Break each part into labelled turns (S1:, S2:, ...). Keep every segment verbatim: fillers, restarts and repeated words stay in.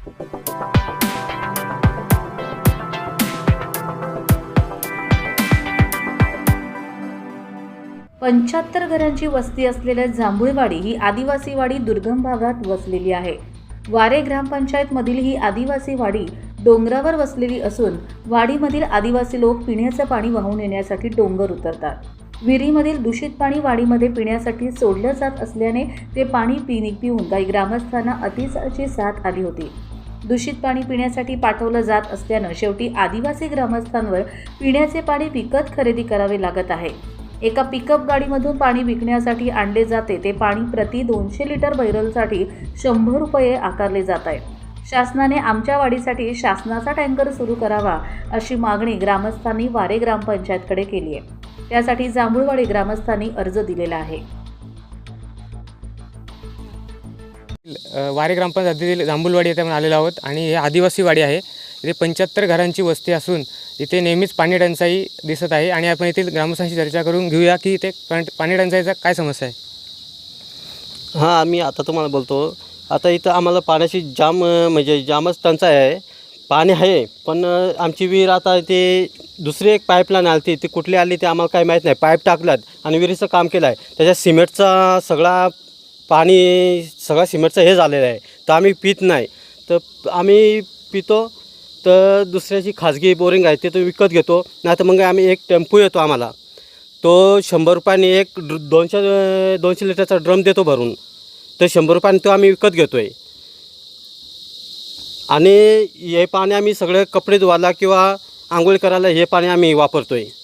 S1: पंच्याहत्तर घरांची वस्ती असलेल्या जांभूळवाडी ही आदिवासी वाडी दुर्गम भागात वसलेली आहे. वारे ग्रामपंचायतमधील ही आदिवासी वाडी डोंगरावर वसलेली असून वाडीमधील आदिवासी लोक पिण्याचं पाणी वाहून येण्यासाठी डोंगर उतरतात. विहिरीमधील दूषित पाणी वाडीमध्ये पिण्यासाठी सोडलं जात असल्याने ते पाणी पिणी पिऊन काही ग्रामस्थांना अतिसाची साथ आली होती. दूषित पाणी पिण्यासाठी पाठवलं जात असल्यानं शेवटी आदिवासी ग्रामस्थांवर पिण्याचे पाणी विकत खरेदी करावे लागत आहे. एका पिकअप गाडीमधून पाणी विकण्यासाठी आणले जाते ते पाणी प्रति दोनशे लिटर बैरलसाठी शंभर रुपये आकारले जात आहे. शासनाने आमच्या वाडीसाठी शासनाचा टँकर सुरू करावा अशी मागणी ग्रामस्थांनी वारे ग्रामपंचायतकडे केली आहे. त्यासाठी जांभूळवाडी ग्रामस्थांनी अर्ज दिलेला आहे.
S2: वारे ग्रामपंचायतीतील जांभूळवाडी येथे आपण आलेलो आहोत आणि हे आदिवासी वाडी आहे. इथे पंच्याहत्तर घरांची वस्ती असून इथे नेहमीच पाणी टंचाई दिसत आहे आणि आपण येथील ग्रामस्थांशी चर्चा करून घेऊया की इथे पाणी टंचाईचा काय समस्या आहे.
S3: हां, आम्ही आता तुम्हाला बोलतो. आता इथं आम्हाला पाण्याची जाम म्हणजे जामच टंचाई आहे. पाणी आहे पण आमची विहीर आता ते दुसरी एक पाईपलाईन आली ती ती कुठली आली ते आम्हाला काही माहीत नाही. पाईप टाकल्यात आणि विहिरीचं काम केलं आहे. त्याच्यात सिमेंटचा सगळा पाणी सगळा सिमेंटचं हे झालेलं आहे. तर आम्ही पित नाही. तर आम्ही पितो तर दुसऱ्याची खाजगी बोरिंग आहे ते तो विकत घेतो. नाही तर मग आम्ही एक टेम्पो येतो आम्हाला तो शंभर रुपयाने एक दोनशे दोनशे लिटरचा ड्रम देतो भरून. तर शंभर रुपयाने तो आम्ही विकत घेतो आहे. आणि हे पाणी आम्ही सगळे कपडे धुवायला किंवा आंघोळ करायला हे पाणी आम्ही वापरतो आहे.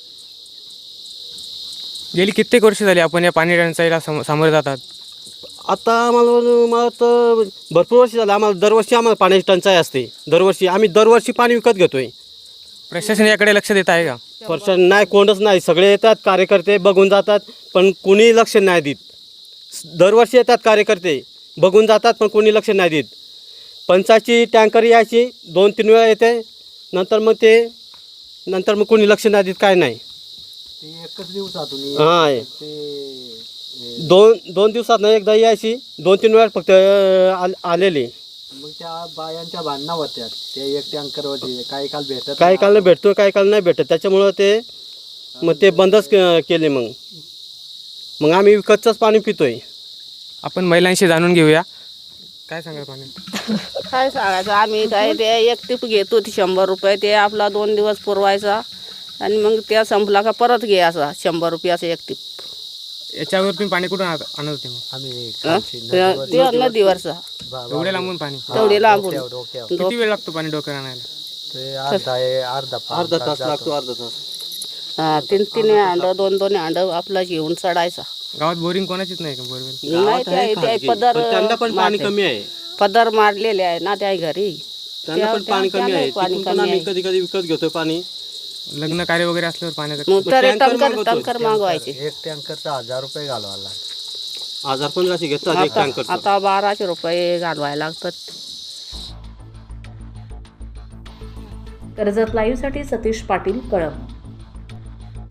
S2: गेली कित्येक वर्ष झाली आपण या पाणी टंचाईला सम सामोरे जातात.
S3: आता आम्हाला मला तर भरपूर वर्ष झालं. आम्हाला दरवर्षी आम्हाला पाण्याची टंचाई असते. दरवर्षी आम्ही दरवर्षी पाणी विकत घेतो आहे.
S2: प्रशासन याकडे लक्ष देत आहे का.
S3: प्रशासन नाही, कोणच नाही. सगळे येतात कार्यकर्ते बघून जातात पण कोणी लक्ष नाही देत. दरवर्षी येतात कार्यकर्ते बघून जातात पण कोणी लक्ष नाही देत. पंचायतची टँकर यायची दोन तीन वेळा येते नंतर मग ते नंतर मग कोणी लक्ष नाही देत काय नाही.
S4: एकच दिवसातून
S3: हां,
S4: ते
S3: दोन दोन दिवसात एकदा यायची दोन तीन वेळा फक्त आलेली.
S4: मग त्या बायांच्या भांडणा होत्या ते एक टँकर होते. काही काल भेटत
S3: काही काल भेटतो काही काल नाही भेटत. त्याच्यामुळं ते मग ते बंदच केले. मग मग आम्ही विकतचंच पाणी पितोय.
S2: आपण महिलांशी जाणून घेऊया काय सांगाल पाणी.
S5: काय सांगायचं आम्ही काय ते एक टिप घेतो ती शंभर रुपये ते आपला दोन दिवस पुरवायचा आणि मग त्या संपला का परत घ्यायचा शंभर रुपयाचा एक टिप.
S2: याच्यावर तुम्ही पाणी कुठून आणत आणत होते मग.
S4: आम्ही
S5: ते नदीवरचा
S2: एवढे लांबून पाणी
S5: तेवढे लांबून
S2: किती वेळ लागतो पाणी डोक्यावर आणायला.
S4: ते अर्धा अर्धा
S3: अर्धा तास लागतो. अर्धा तास
S5: हा तीन तीन अंड दोन दोन अंड आपला घेऊन चढायचा.
S2: गावात बोरिंग कोणाचीच नाही का बोरवेल.
S5: नाही त्या- त्या पदर
S3: त्यांना पण पाणी कमी आहे.
S5: पदर मारलेले आहे ना त्या घरी.
S3: त्यांना पण पाणी कमी आहे. तिथून पण आम्ही कधी कधी विकत घेतो पाणी.
S2: लग्न कार्य वगैरे असल्यावर पाण्याचं
S5: मग तर
S3: टँकर
S5: टंकर
S3: मागवतो.
S5: टंकर मागवायचे.
S4: एक टँकरचा हजार रुपये घालवायला लागला.
S3: हजार पंधराशे घेतात एक
S5: आता
S3: टँकर.
S5: आता बाराशे रुपये घालवायला लागतात.
S1: कर्जत लाईव्हसाठी सतीश पाटील, कळंब.